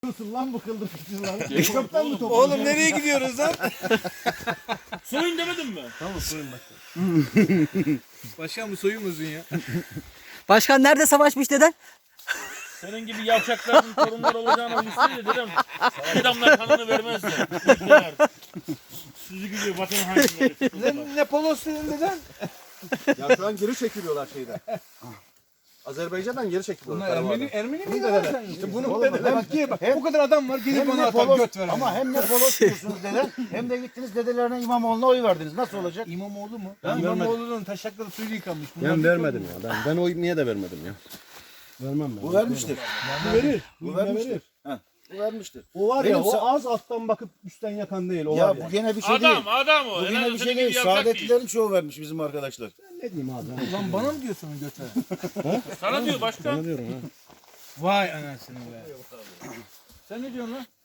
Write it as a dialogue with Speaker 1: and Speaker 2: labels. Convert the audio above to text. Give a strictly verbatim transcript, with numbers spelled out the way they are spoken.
Speaker 1: Nasıl lan bu kıldırıcı lan? Çöpten mi topladın?
Speaker 2: Oğlum nereye gidiyoruz lan?
Speaker 3: Soyun demedim mi?
Speaker 2: Tamam soyun başkan. Başkan bu soyun uzun ya.
Speaker 4: Başkan nerede savaşmış deden?
Speaker 3: Senin gibi yavşakların torunları olacağını bilseydi dedim. Adamlar kanını vermezdi. Ülkeler. Sizi gibi vatan hainleri.
Speaker 2: Ne, ne polos senin deden?
Speaker 1: Ya şu an geri çekiliyorlar şeyden. Azerbaycan'dan geri çekiliyorlar.
Speaker 2: Bunlar Ermeni,
Speaker 1: Karabağ'dan.
Speaker 2: Ermeni mi
Speaker 1: Bunu
Speaker 2: ya
Speaker 1: dedeler.
Speaker 2: sen?
Speaker 1: İşte bunu
Speaker 2: Oğlum,
Speaker 1: dedeler.
Speaker 2: bak ki bak
Speaker 1: Hem-
Speaker 2: bu kadar adam var gidip
Speaker 1: Hem
Speaker 2: onu
Speaker 1: de
Speaker 2: atar
Speaker 1: polos,
Speaker 2: göt ver.
Speaker 1: ama hem de polos diyorsunuz deden, hem de gittiniz dedelerine İmamoğlu'na oy verdiniz. Nasıl olacak?
Speaker 2: İmamoğlu mu?
Speaker 1: Ben
Speaker 2: İmamoğlu'nun taşakları suyu yıkanmış. Bunlar
Speaker 5: Ben
Speaker 2: bir
Speaker 5: vermedim
Speaker 2: sorun.
Speaker 5: ya. Ben ben oy niye de vermedim ya. Vermem ben.
Speaker 1: Bu vermiştir.
Speaker 5: Bu verir.
Speaker 1: Bu vermiştir. Heh, bu vermiştir.
Speaker 5: O var
Speaker 1: Benim
Speaker 5: ya o
Speaker 1: sa-
Speaker 5: az alttan bakıp üstten yakan değil. O var
Speaker 1: Ya
Speaker 5: ya.
Speaker 1: bu gene bir şey değil.
Speaker 3: Adam adam o.
Speaker 1: Bu
Speaker 3: En
Speaker 1: gene
Speaker 3: azından
Speaker 1: bir
Speaker 3: senin
Speaker 1: şey
Speaker 3: gibi
Speaker 1: değil.
Speaker 3: yavşak değil.
Speaker 1: Saadetlilerin çoğu vermiş bizim arkadaşlar.
Speaker 5: Ne diyeyim abi?
Speaker 2: Lan bana mı diyorsun göt ver?
Speaker 3: Sana diyor başkan.
Speaker 5: Ne diyorum ha?
Speaker 2: Vay anasını be. Sen ne diyorsun lan?